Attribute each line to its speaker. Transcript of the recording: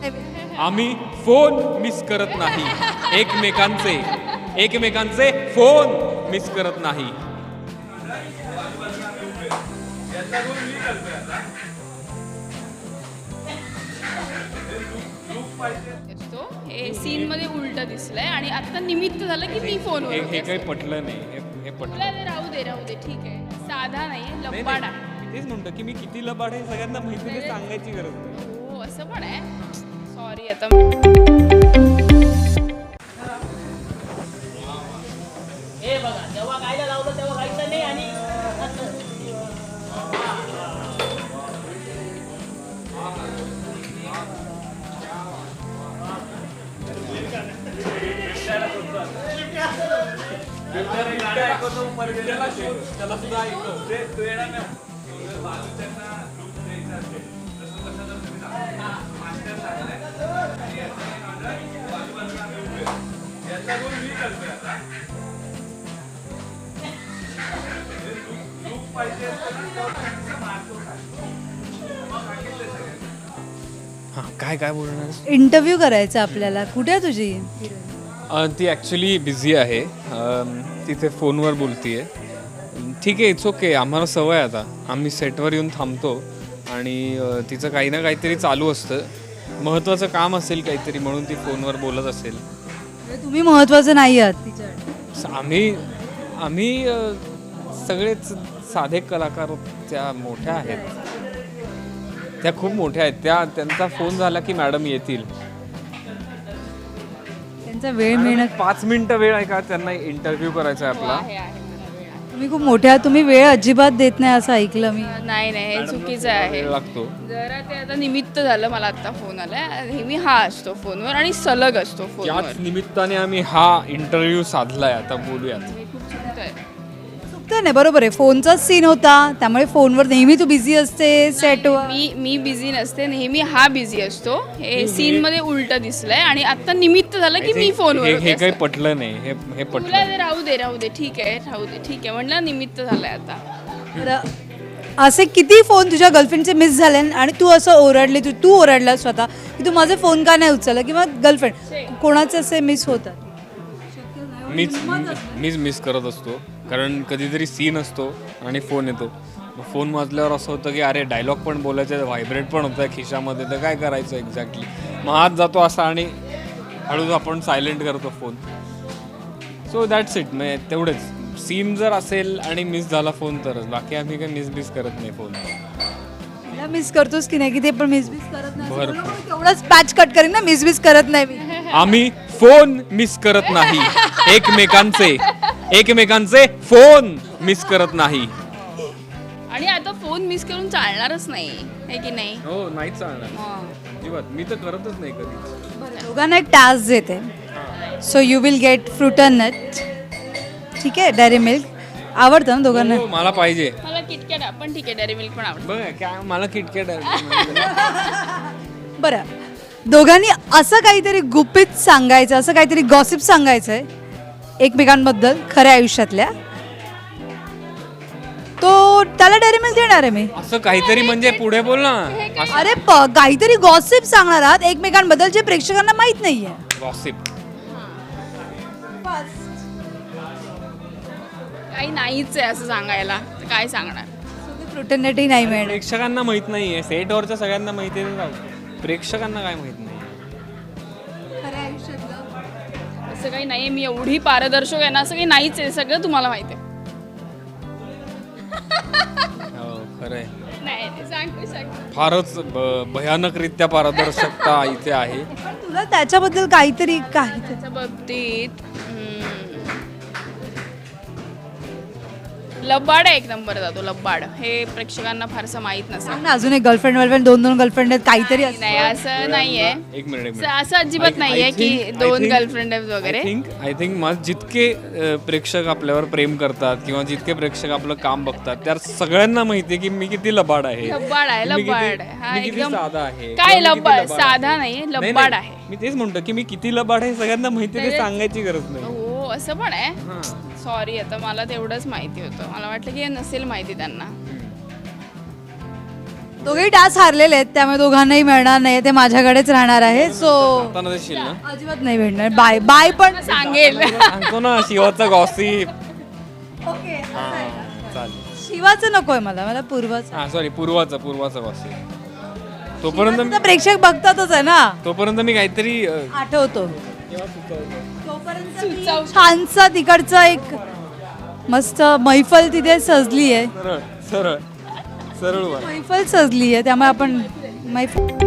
Speaker 1: आम्ही phone miss करत नाही, एकमेकांचे फोन मिस करत नाही.
Speaker 2: हे सीन मध्ये उलट दिसलंय आणि आता निमित्त झालं की मी फोनवर
Speaker 1: हे काही पटलं नाही, हे पटलं
Speaker 2: तुला ते राहू दे ठीक आहे. साधा नाही लबाड आहे.
Speaker 1: मी तेच म्हणतो की मी किती लबाड आहे सगळ्यांना माहिती नाही, सांगायची गरज नाही.
Speaker 2: हो असं पण आहे. सॉरी आता
Speaker 3: हे बघा जेव्हा गायला लावलं तेव्हा गायचं नाही आणि
Speaker 1: त्याला सुद्धा काय काय बोलणार.
Speaker 4: इंटरव्ह्यू करायचा आपल्याला. कुठे आहे तुझी?
Speaker 1: ती ॲक्च्युली बिझी आहे, तिथे फोनवर बोलतीये. ठीक आहे, इट्स ओके. आम्हाला सवय आता, आम्ही सेटवर येऊन थांबतो आणि तिचं काही ना काहीतरी चालू असतं, महत्त्वाचं काम असेल काहीतरी म्हणून ती फोनवर बोलत असेल.
Speaker 4: म्हणजे तुम्ही महत्वाचं नाही आहात तिच्यासाठी.
Speaker 1: आम्ही सगळेच साधे कलाकार, त्या मोठ्या आहेत, त्या खूप मोठ्या आहेत. त्यांचा फोन झाला की मॅडम येतील.
Speaker 4: त्यांचा वेळ मिळणं.
Speaker 1: 5 मिनिटं वेळ आहे का त्यांना इंटरव्ह्यू करायचा आहे आपला.
Speaker 2: आहे मला वेळ आहे.
Speaker 4: तुम्ही खूप मोठे आहात, तुम्ही वेळ अजिबात देत नाही असं ऐकलं मी.
Speaker 2: नाही हे चुकीचं आहे.
Speaker 1: वेळ लागतो.
Speaker 2: जरा ते आता निमित्त झालं, मला आता फोन आलाय. नेहमी हा असतो फोनवर आणि सलग असतो फोनवर.
Speaker 1: त्याच निमित्ताने आम्ही हा इंटरव्ह्यू साधलाय. आता बोलूयात.
Speaker 2: हे खूप चुकतंय.
Speaker 4: चुकतं नाही, बरोबर आहे. फोनचाच सीन होता, त्यामुळे फोनवर नेहमी तू बिझी असते सेटवर.
Speaker 2: मी बिझी नसते, नेहमी हा बिझी असतो. हे सीन मध्ये उलट दिसलंय आणि आता निमित्त झालं की मी फोनवर
Speaker 1: हे काही पटलं नाही, हे
Speaker 2: तुला
Speaker 1: पटलं.
Speaker 2: ते राहू दे ठीक आहे म्हणलं निमित्त झालंय आता.
Speaker 4: बरं, असे किती फोन तुझ्या गर्लफ्रेंडचे मिस झाले आणि तू असं ओरडली, तू ओरडला स्वतः की तू माझे फोन का नाही उचलला, किंवा गर्लफ्रेंड कोणाचे असे मिस होतात?
Speaker 1: मीच मिस करत असतो, कारण कधीतरी सीन असतो आणि फोन येतो. फोन वाजल्यावर असं होतं की अरे डायलॉग पण बोलायचं, व्हायब्रेट पण होतं खिशामध्ये, तर काय करायचं एक्झॅक्टली. मग हात जातो असा आणि हळूच आपण सायलेंट करतो फोन. So that's it. म्हणजे तेवढेच. सीन जर असेल आणि मिस झाला फोन तरच, बाकी आम्ही काही मिस करत नाही फोन.
Speaker 4: मला मिस करतोस की नाही, की ते पण मिस करत नाही?
Speaker 1: भरपूर.
Speaker 4: तेवढाच पॅच कट करीन ना, मिस करत नाही मी.
Speaker 1: आम्ही फोन मिस करत नाही, एकमेकांचे फोन मिस करत नाही.
Speaker 2: आणि आता फोन मिस करून चालणारच नाही आहे की नाही.
Speaker 1: हो, नाहीच चालणार
Speaker 2: हां.
Speaker 1: अजिबात. मी तर करतच नाही कधी.
Speaker 4: दोघांना एक टास्क देते. So you will get fruit and nut. ठीक आहे, डेअरी मिल्क आवडतं ना दोघांना?
Speaker 1: हो, मला पाहिजे.
Speaker 2: मला किटकॅट पण ठीक आहे, डेअरी मिल्क पण आवडतं.
Speaker 1: बघ काय मला किटकॅट
Speaker 4: बरं, दोघांनी असं काहीतरी गुपित सांगायचं, असं काहीतरी गॉसिप सांगायचं आहे एकमेकांबद्दल खऱ्या आयुष्यातल्या, तो त्याला डेअरी मिल्क देणार आहे मी.
Speaker 1: असं काहीतरी म्हणजे पुढे बोल ना.
Speaker 4: अरे काहीतरी गॉसिप सांगणार आहात एकमेकांबद्दल जे प्रेक्षकांना माहित नाहीये.
Speaker 1: गॉसिप.
Speaker 2: काही नाहीच आहे असं सांगायला, तर काय सांगणार.
Speaker 4: फ्रुटन नटही नाही मिळणार.
Speaker 1: प्रेक्षकांना माहित नाहीये, सेटवरच्या सगळ्यांना माहिती आहे, प्रेक्षकांना काय माहित नाही.
Speaker 2: असं काही नाहीये, मी एवढी पारदर्शक आहे ना, असं काही नाहीच आहे, सगळं तुम्हाला माहिती आहे.
Speaker 1: हो, खरंय.
Speaker 2: नाही सांग.
Speaker 1: फारच भयानकरित्या पारदर्शकता इथे आहे.
Speaker 4: तुला त्याच्याबद्दल काहीतरी
Speaker 2: त्याच्या बाबतीत लबाड आहे, एक नंबर जातो लबाड. हे प्रेक्षकांना फारसं माहित नसेल.
Speaker 4: अजून एक गर्लफ्रेंड दोन गर्लफ्रेंड आहेत काहीतरी असतं.
Speaker 2: नाही असं नाहीये.
Speaker 1: एक मिनिट.
Speaker 2: असं अजिबात नाहीये की 2 गर्लफ्रेंड आहेत वगैरे.
Speaker 1: आय थिंक मला जितके प्रेक्षक आपल्यावर प्रेम करतात किंवा जितके प्रेक्षक आपलं काम बघतात, त्या सगळ्यांना माहितीये की मी किती लबाड आहे.
Speaker 2: लबाड आहे. हा
Speaker 1: मी किती
Speaker 2: एकदम
Speaker 1: साधा आहे.
Speaker 2: काय लबाड, साधा नाही लबाड आहे.
Speaker 1: मी तेच म्हणतो की मी किती लबाड आहे सगळ्यांना माहिती, ते सांगायची गरज नाही.
Speaker 2: हो असं पण आहे. सॉरी, आता मला तेवढंच माहिती होतं. मला वाटलं की हे नसेल माहिती त्यांना.
Speaker 4: दोघेही टास्क हारलेले आहेत त्यामुळे दोघांनाही मिळणार नाही ते माझ्याकडेच राहणार आहे सो
Speaker 1: आता देशील ना
Speaker 4: अजिबात नाही भेटणार बाय बाय पण
Speaker 2: सांगेल
Speaker 1: सांगतो ना शिवाचा गॉसिप.
Speaker 4: ओके
Speaker 1: चालेल.
Speaker 4: शिवाचं नकोय मला मला पूर्वाचं
Speaker 1: हा सॉरी पूर्वाचा गॉसिप. तोपर्यंत
Speaker 4: शिवाचं तर प्रेक्षक बघतातच आहे ना
Speaker 1: तोपर्यंत मी काहीतरी
Speaker 4: आठवतो तोपर्यंत मी छानसा तिकडचा एक मस्त मैफल तिथे सजली आहे
Speaker 1: सरळ सरळ सरळ
Speaker 4: मैफल सजली आहे त्यामुळे आपण मैफल